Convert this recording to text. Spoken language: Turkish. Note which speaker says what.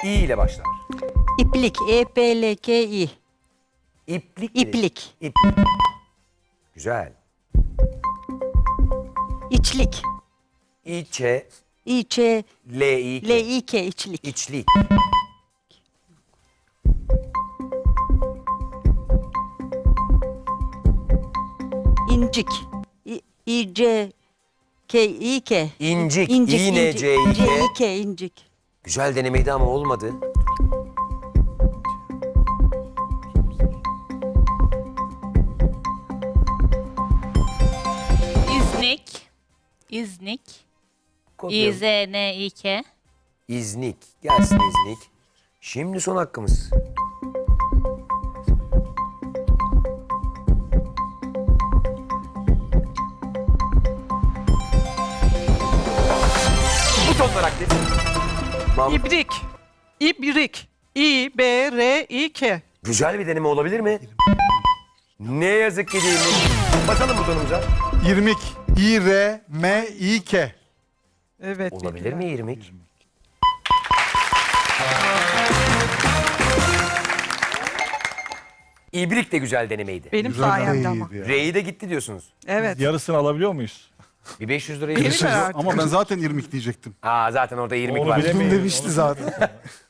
Speaker 1: İ ile başlar.
Speaker 2: İplik. E-P-L-K-İ.
Speaker 1: İplik.
Speaker 2: İplik.
Speaker 1: İplik. Güzel.
Speaker 2: İçlik.
Speaker 1: İçe,
Speaker 2: İ-Ç-L-İ-K.
Speaker 1: L-İ-K.
Speaker 2: içlik.
Speaker 1: İçlik.
Speaker 2: İncik. İ-C-K-İ-K.
Speaker 1: İncik.
Speaker 2: İncik.
Speaker 1: İ-N-C-İ-K.
Speaker 2: C-İ-K. İncik.
Speaker 1: Güzel denemeydi ama olmadı.
Speaker 3: İznik. İznik.
Speaker 1: Kopyalım.
Speaker 3: İ-Z-N-İ-K.
Speaker 1: İznik. Gelsin İznik. Şimdi son hakkımız. Butonlar aktif. Mahmut,
Speaker 4: İbrik. İbrik. İ-B-R-İ-K.
Speaker 1: güzel bir deneme olabilir mi? Ne yazık ki değilmiş. Basalım butonumuza.
Speaker 5: İrmik. İ-R-M-İ-K.
Speaker 4: Evet.
Speaker 1: Olabilir mi irmik? İbrik de güzel denemeydi.
Speaker 4: Benim sayemde ama.
Speaker 1: R'yi de gitti diyorsunuz.
Speaker 4: Evet.
Speaker 5: Yarısını alabiliyor muyuz?
Speaker 1: Bir 500 lirayı
Speaker 4: Benim
Speaker 1: verirsin.
Speaker 4: herhalde.
Speaker 5: Ama ben zaten irmik diyecektim.
Speaker 1: Aa zaten orada irmik
Speaker 5: Onu
Speaker 1: var.
Speaker 5: bilemeyiz. Demişti zaten.